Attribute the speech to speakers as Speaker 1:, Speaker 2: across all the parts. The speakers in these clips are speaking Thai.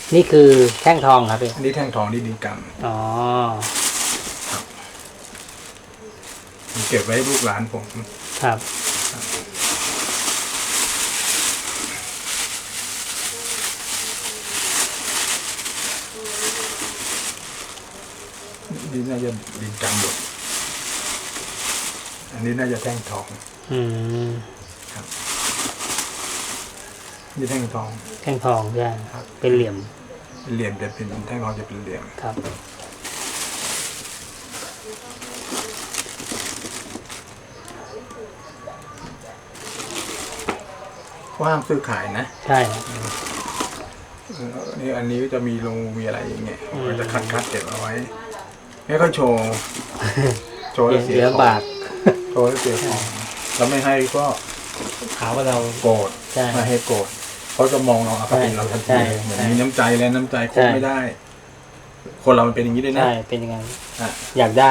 Speaker 1: นี่คือแท่งทองครับพี่
Speaker 2: อันนี้แท่งทองนี่ดินกรรม
Speaker 1: อ๋อ
Speaker 2: ผมเก็บไว้ให้ลูกหลานผม
Speaker 1: ครับ
Speaker 2: นี่น่าจะดินกรรมหมดอันนี้น่าจะแท่งทอง
Speaker 1: อืม
Speaker 2: ครับนี่แท่งทอง
Speaker 1: แท่งทองใช่
Speaker 2: ครับ
Speaker 1: เป็นเหลี่ยม
Speaker 2: เหลี่ยมจะเป็นแท่งทองจะเป็นเหลี่ยม
Speaker 1: ครับ
Speaker 2: ว่างซื้อขายนะ
Speaker 1: ใช่
Speaker 2: นี่อันนี้ก็จะมีลงมีอะไรอย่างเงี้ยก็จะคัดเก็บเอาไว้ไม่ค่อยโชว์ โชว์แล้วเสีย
Speaker 1: เสีย
Speaker 2: ของ
Speaker 1: บาท
Speaker 2: โชว์แล้วเสียของแล้วไม่ให้ก็
Speaker 1: หาว่าเรา
Speaker 2: โกรธ
Speaker 1: ใช่
Speaker 2: ไม่ให้โกรธเขาจะมองเราอคติเราทัน
Speaker 1: ใช่
Speaker 2: ทีเหมือน
Speaker 1: ใช่
Speaker 2: มีน้ำใจแล้วน้ำใจค
Speaker 1: ใช่
Speaker 2: บไม่ได้ คนเรามันเป็นอย่างนี้ด้วยนะ
Speaker 1: ใช่เป็นยังไง
Speaker 2: อ่ะ
Speaker 1: อยากได้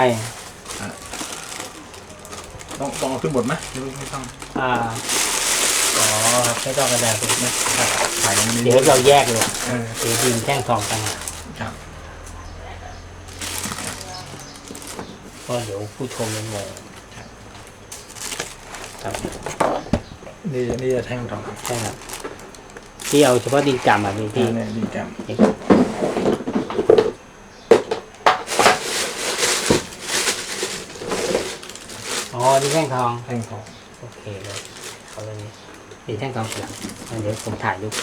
Speaker 2: ต้องเอาขึ้นบทไหมไม่ต้อง
Speaker 1: อ๋อครับไม่ต้องกระดาษเลยนะ
Speaker 2: ใส่อันนี้
Speaker 1: เดี๋ยวเราแยกเลย
Speaker 2: เออ
Speaker 1: เดี๋ยวดินแท่งทองกัน
Speaker 2: ครับ
Speaker 1: ก็เดี๋ยวผู้ชมยังงงครับ
Speaker 2: นี่จะแท่งทอง
Speaker 1: ใช่ครับที่เอาเฉพาะดินกำอ่ะพี่ที่
Speaker 2: นี่ดินกรรม
Speaker 1: อ๋อดินแท่งทอง
Speaker 2: แท่งทอง
Speaker 1: โอเคเลยเอาเลยดินแท่งทองเสียงเดี๋ยวผมถ่ายรูป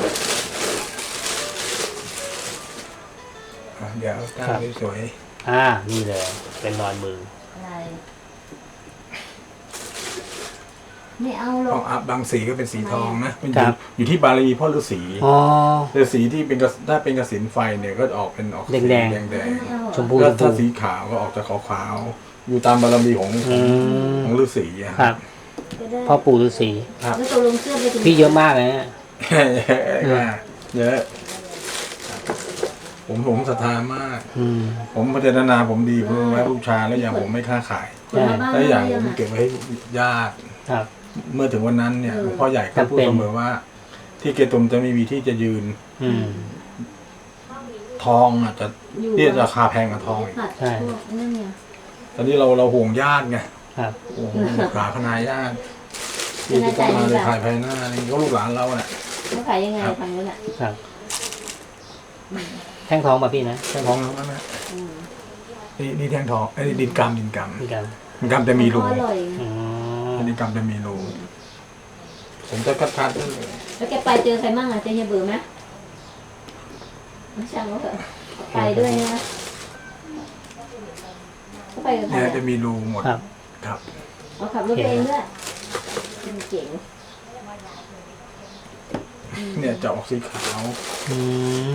Speaker 2: เดี๋ยวตั้ง
Speaker 1: ครับ
Speaker 2: สวย
Speaker 1: นี่เลยเป็นรอยมือ
Speaker 3: อะไรไม่เอาหร
Speaker 2: ท
Speaker 3: อ
Speaker 2: อก งอัพบางสีก็เป็นสีทองนะมันอ
Speaker 1: ครั
Speaker 2: ยู่
Speaker 1: บ
Speaker 2: อยู่ที่บารมีพ่อฤาษี
Speaker 1: อ๋อ
Speaker 2: ฤาษีที่เป็นถ้าเป็นกสินไฟเนี่ยก็ออกเป็นออกสี
Speaker 1: แดง
Speaker 2: แดง
Speaker 3: ไม่เอาหรอก
Speaker 1: ชมพู
Speaker 2: แล้วถ้า
Speaker 1: ชมพู
Speaker 2: สีขาวก็ออกจากขาวๆอยู่ตามบารมีของ
Speaker 1: อืม
Speaker 2: ของฤาษีอะ
Speaker 1: ครับ
Speaker 3: จะได้
Speaker 1: พ่อปู่ฤาษี
Speaker 2: ครับ
Speaker 3: แล้วตกลงเสื้อไปถึง
Speaker 1: พี่เยอะมากเลยเนี่ย
Speaker 2: เยอะผมศรัทธามาก
Speaker 1: อืม
Speaker 2: ผมพัฒนาผมดีเพื่อไว้บูชาแล้วอย่างผมไม่ค้าขาย
Speaker 3: คนมาบ้าน
Speaker 2: แล้วอย่างผม
Speaker 3: ไม่
Speaker 2: เก็บไว้ให้ญาติ
Speaker 1: ครับ
Speaker 2: เมื่อถึงวันนั้นเนี่ยหลวงพ่อใหญ่ก็พูด
Speaker 1: จำเป็น
Speaker 2: เสมอว่า ที่เกตุมจะไม่มีที่จะยืน
Speaker 1: อืม
Speaker 2: ทองอาจจะ
Speaker 3: อยู่
Speaker 2: ที่ราคาแพงกว่าทองอีก
Speaker 3: ผัด
Speaker 1: ใช่
Speaker 3: พวกนั่นไง
Speaker 2: ตอนนี้เราห่วงญาติไง
Speaker 1: ครับ
Speaker 2: ห่วงหลานพนายญาติที่จะต้องมาในภายภายหน้านี่ก็ลูกหลานเราแหละ
Speaker 3: เขาขายยังไงทางนู้นอ่ะ
Speaker 1: ครับแท่งทองมาพี่นะ
Speaker 2: แท่งทองแล้วนะ
Speaker 3: อืม
Speaker 2: นี่แท่งทองไอ้ดินกรรม
Speaker 1: นี่กัน
Speaker 2: ดินกรรมจะมีรู
Speaker 3: อร่อย
Speaker 1: อ๋อ
Speaker 2: ดินกรรมจะมีรูผมจะคัดๆด้วย
Speaker 3: แล้วแกไปเจอใครมั่งอ่ะเจอเฮียเบื่อไหมไม่ช่างเขาเถอะไปด้วยนะเขาไปกับใคร
Speaker 2: เนี่ย
Speaker 3: อ่ะ
Speaker 2: จะมีรูหมด
Speaker 1: ครับ
Speaker 2: ครับ
Speaker 3: เขาขับรถไปเองด้วยเป็นเก่ง
Speaker 2: เนี่ยจะออกสีขาว
Speaker 1: อืม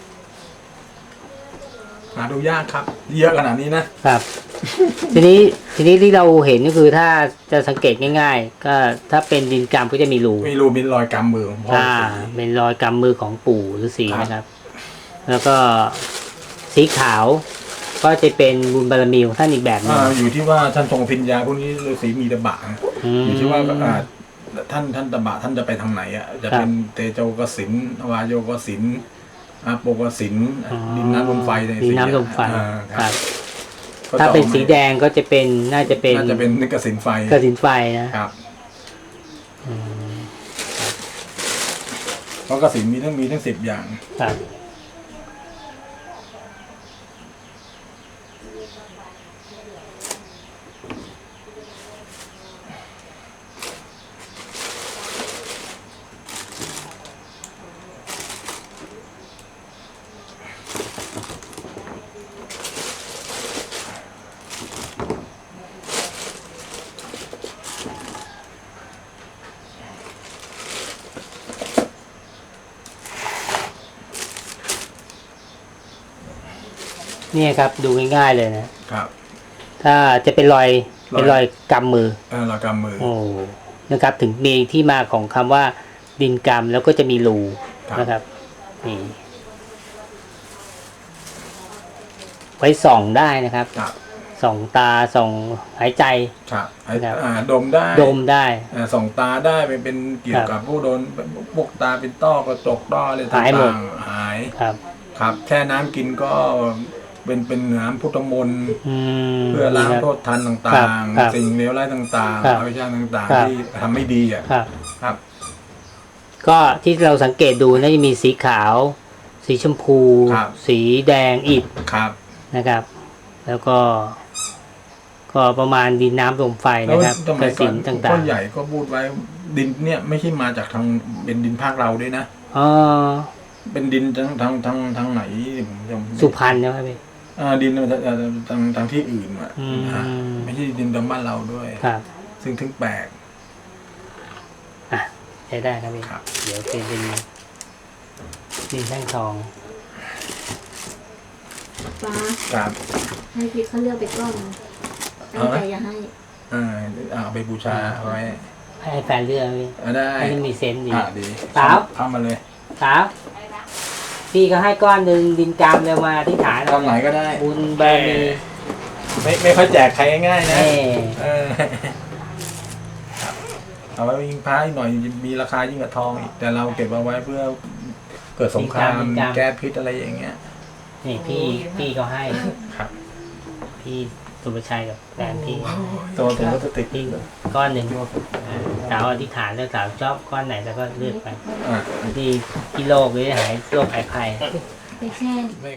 Speaker 2: หาดูยากครับ เยอะขนาดนี้นะครับ
Speaker 1: ทีนี้ที่เราเห็นก็คือถ้าจะสังเกตง่าย ๆ ก็ถ้าเป็นดินกำก็จะมีรู
Speaker 2: มีรูมีรอยกำมือของพ่อ
Speaker 1: เป็นรอยกำมือของปู่ฤาษี
Speaker 2: ครับ
Speaker 1: นะครับ แล้วก็สีขาว ก็จะเป็นบุญบารมีของท่านอีกแบบหนึง
Speaker 2: อยู่ที่ว่าท่านทรงพิญญาพวกนี้ฤาษีมีตบะนะอยู่ที่ว่าท่านตบะท่านจะไปทางไหนอ่ะจะเป็นเตโจกสินวายโยกสินอาโปกสินดินน้ำลมไฟใน
Speaker 1: ดินน้ำลมไฟ
Speaker 2: ค
Speaker 1: ค
Speaker 2: รั
Speaker 1: รั
Speaker 2: บบ
Speaker 1: ถ้าเป็นสีแดงก็จะเป็นน่าจะเป็น
Speaker 2: น่าจะเป็นนิกสินไฟ
Speaker 1: กระสินไฟนะครับ อืม
Speaker 2: เพราะกสินมีทั้ง10 อย่าง
Speaker 1: ครับเนี่ยครับดูง่ายๆเลยนะ
Speaker 2: ครับ
Speaker 1: ถ้าจะเป็นรอยกำมือ
Speaker 2: รอยกำมือ
Speaker 1: โอ้นะครับถึงมีที่มาของคำว่าดินกรรมแล้วก็จะมีรู
Speaker 2: ครับ
Speaker 1: นะครับนี่ไว้ส่องได้นะครับ
Speaker 2: ครับ
Speaker 1: ส่องตาส่องหายใจ
Speaker 2: ครับ
Speaker 1: ครับ
Speaker 2: ดมได้
Speaker 1: ดมได้
Speaker 2: ส่องตาได้เป็นเกี่ยวกับผู้โดนพวกตาเป็นต้อกระจกต้ออะไรต่
Speaker 1: หายหมด
Speaker 2: างๆหาย
Speaker 1: ครับ
Speaker 2: ครับแช่น้ำกินก็เป็นน้ำพุทธมนต์
Speaker 1: อืม
Speaker 2: เพื่อล้าง
Speaker 1: ครับ
Speaker 2: โทษทันต่าง
Speaker 1: ครับ
Speaker 2: ๆ สิ่งเลวร้ายต่าง
Speaker 1: ครับ
Speaker 2: ๆอวิชชาต่าง
Speaker 1: ครับ
Speaker 2: ๆ ที่ทำไม่ดีอ่ะ
Speaker 1: ครับ
Speaker 2: ครับ
Speaker 1: ก็ที่เราสังเกตดูน่าจะมีสีขาว สีชมพู
Speaker 2: ครับ
Speaker 1: สีแดงอิฐ
Speaker 2: ครับ
Speaker 1: นะครับ แล้วก็ประมาณดินน้ำลมไฟ
Speaker 2: แล้ว
Speaker 1: นะครับ
Speaker 2: ส
Speaker 1: ก
Speaker 2: มัยก่
Speaker 1: สิ
Speaker 2: อน
Speaker 1: น
Speaker 2: พ่
Speaker 1: ต่า
Speaker 2: อง ใหญ่ก็พูดไว้ดินเนี่ยไม่ใช่มาจากทางเป็นดินภาคเราด้วยนะ
Speaker 1: ๆอ๋อ
Speaker 2: เป็นดินทางไหนผมจำ
Speaker 1: สุพรรณใช่ไหมพี่
Speaker 2: ดินทางที่อื่นอ่ะ
Speaker 1: อืม
Speaker 2: ไม่ใช่ดินทางบ้านเราด้วย
Speaker 1: ครับ
Speaker 2: ซึ่งถึงแปลก
Speaker 1: อ่ะใช้ได้ครับพี่
Speaker 2: ครับ
Speaker 1: เดี๋ยวเป็นดินแท่งทอง
Speaker 3: ฟ้า
Speaker 2: ครับ
Speaker 3: ให้พี่เขาเลือกไปก้อนตั้งใจอย่าให้
Speaker 2: เอาไปบูชาเอาไว้
Speaker 1: ให้แฟนเลือกพี่
Speaker 2: ได้
Speaker 1: ให้มันมีเซนส์ดี
Speaker 2: ดี
Speaker 1: สาว
Speaker 2: เข้ามาเลย
Speaker 1: ครับพี่ก็ให้ก้อนหนึ่งดินกรรมเลยมาที่ฐาน
Speaker 2: ตอนไหนก็ได้
Speaker 1: บุญบารมี
Speaker 2: ไม่ค่อยแจกใครง่ายๆนะ
Speaker 1: เอ้
Speaker 2: ครับเอาไว้ยิงพระอีกหน่อยมีราคายิ่งกว่าทองอีกแต่เราเก็บเอาไว้เพื่อเกิดสงครามแก้พิษอะไรอย่างเงี้ย
Speaker 1: นี่พี่ก็ให้
Speaker 2: ครับ
Speaker 1: พี่สุภชัยกับแฟนพี่
Speaker 2: ตัวถุงพลาสติก
Speaker 1: พี่ก้อนหนึ่งสาวอธิษฐานแล้วสาวชอบก้อนไหนแล้วก็เลือกไป
Speaker 2: อ่า
Speaker 1: ที่โรคหรือหายโรคหายภัย
Speaker 3: ไปแช่
Speaker 2: ไม่